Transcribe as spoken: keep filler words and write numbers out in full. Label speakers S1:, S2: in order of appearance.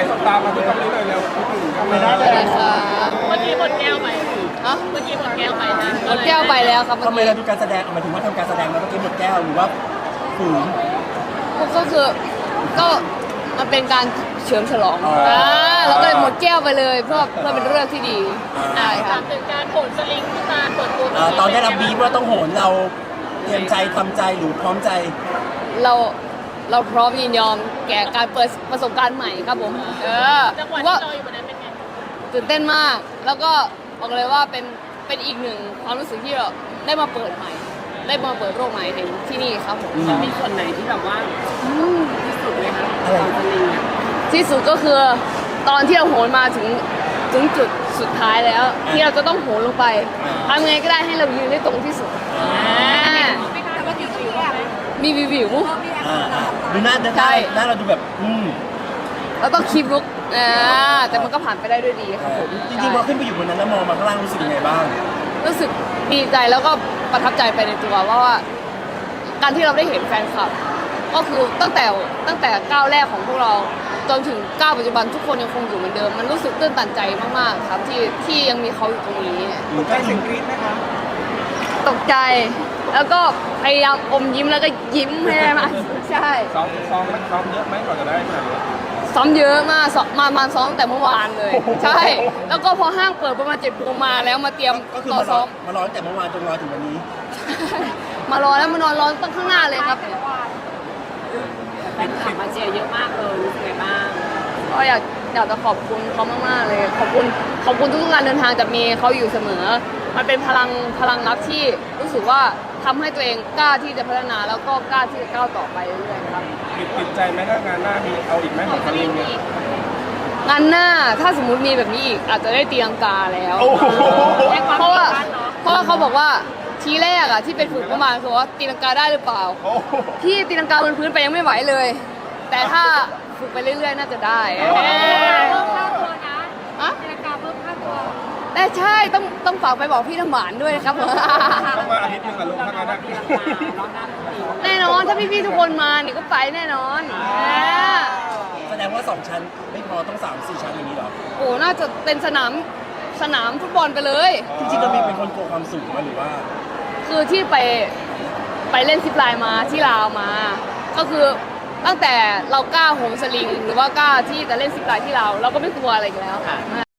S1: สบตามาที่ตรงนี้เลยเร็วไม่ได้
S2: ได้เลยค่ะ
S3: เมื่อกี้หมดแก้วไป
S2: อะ
S3: เมื่อกี้หมดแก้วไปนะ
S2: หมดแก้วไปแล้วครับเมื่
S4: ทำ
S2: อ
S4: ไม
S2: กี้
S4: เราดูการแสดงหมายถึงว่าทำการแสดงแล้วเมื่อกี้หมดแก้วหรือว่าฝืน
S2: ก็คือก็มันเป็นการเฉลิมฉลอง
S4: อ๋ออ่
S2: อ่าเราก็เลยหมดแก้วไปเลยเพื่อเพื่อเป็นเรื่องที่ดีใช่
S3: ถา
S2: ค่ะ
S3: มถึงการโหนสลิงที่มาเปิดตัว
S4: เอ่อตอนได้รับบีฟว่าต้องโหนเราเตรียมใจทำใจหรือพร้อมใจ
S2: เราเราพร้อมยินยอมแก่การเปิดประสบการณ์ใหม่ครับผมเออ
S3: จังหวะ
S2: ว่า
S3: ที่เราอยู่บนนั้นเป็นไง
S2: ตื่นเต้นมาก แล้วก็บอกเลยว่าเป็นเป็นอีกหนึ่งความรู้สึกที่เราได้มาเปิดใหม่ ได้มาเปิดโลกใหม่ในที่นี่ครับผม
S3: มีส่วนไหนที่แบบว่าที่สุดไหมคะ
S4: อะไร
S3: สลิง
S2: ที่สุดก็คือตอนที่เราโหนมาถึงถึงจุดสุดท้ายแล้ว ที่เราจะต้องโหนลงไปทำไงก็ได้ให้เรายืนได้ตรงที่สุดอ่ามีวิววิว
S4: อ่าอ่าดูหน้าหน้า
S2: ใช่
S4: หน้าเราดูแบบอืม
S2: เราต้องคีบลุกอ่าแต่มันก็ผ่านไปได้ด้วยดีครับผม
S4: จริงๆพอขึ้นไปอยู่บนนั้นแล้วมองมาข้างล่างรู้สึกยังไงบ้าง
S2: รู้สึกดีใจแล้วก็ประทับใจไปในตัวว่าว่า การที่เราได้เห็นแฟนคลับ ก็คือตั้งแต่ตั้งแต่ก้าวแรกของพวกเราจนถึงก้าวปัจจุบันทุกคนยังคงอยู่เหมือนเดิม มันรู้สึกตื้นตันใจมากๆครับที่ที่ยังมีเขาอยู่ตรงนี้
S4: ตกใจถึงกรี๊ดไหมคะ
S2: ตกใจ แล้วก็พยายามอมยิ้มแล้วก็ยิ้มให้ได้มากใช่
S1: ซ้อมซ้อมไหมซ้อมเยอะไหมก่อนจะได้ขนาดนี้
S2: ซ้อมเยอะมากซ้อมมามาซ้อมตั้งแต่เมื่อวานเลย ใช่ แล้วก็พอห้างเปิดประมาณเจ็ดโมงมาแล้วมาเตรียม
S4: ก็คือ
S2: ต่อ
S4: มาร
S2: ซ้
S4: อ
S2: อม
S4: มารอตั้งแต่เมื่อวานจนรอถึงวันนี้
S2: มารอแล้วมานอนรอตั้งข้างหน้าเลยครับ
S3: แฟนคลับมาเชียร์เยอะมากเลยรู้สึกไงบ้าง
S2: ก็อยากอยากจะขอบคุณเขามากๆเลย ขอบคุณขอบคุณทุกๆการเดินทางจะมีเขาอยู่เสมอ มันเป็นพลังพลังรักที่รู้สึกว่าทำให้ตัวเองกล้าที่จะพัฒนาแล้วก็กล้าที่จะก้าวต่อไปเรื่อยๆครับ
S1: ติดติดใจไหมถ้างานหน้ามีเอาอีกไหมของสลิงเนี่ย
S2: งานหน้าถ้าสมมุติมีแบบนี้อีกอาจจะได้ตีลังกาแล้ว
S1: โอ้โห
S2: เพราะว่าเพราะว่าเขาบอกว่าทีแรกอะที่เป็นฝึกประมาณคือว่าตีลังกาได้หรือเปล่า
S1: โอ้โห
S2: พี่ตีลังกาบนพื้นไปยังไม่ไหวเลย แต่ถ้าฝึกไปเรื่อยๆ น่าจะได้
S1: อ๋อ
S2: เอ้ย
S3: เพิ่มค่าตัวนะ
S2: อะ
S3: นาฬิกาเพิ่มค่าตัว
S2: แต่ใช่ต้องต้องฝากไปบอกพี่น้ำหวานด้วยนะครับ
S1: ต้องมาอาทิตย์หนึงกับลุงทั้งนั้นนะ
S2: แน่นอนถ้าพี่ๆทุกคนมาเนี่ยก็ไปแน่นอนเออ
S4: แสดงว่าสองชั้นไม่พอต้องสามสี่ชั้นอย่างนี้เหรอ
S2: โอ้น่าจะเป็นสนามสนามฟุตบอลไปเลย
S4: จริงๆเรามีเป็นคนกลัวความสูงไหมหรือว่า
S2: คือที่ไปไปเล่นซิปไลน์มาที่ลาวมา ก็คือตั้งแต่เรากล้าโหนสลิง หรือว่ากล้าที่จะเล่นซิปไลน์ที่ลาวเราก็ไม่กลัวอะไรอีกแล้วค่ะ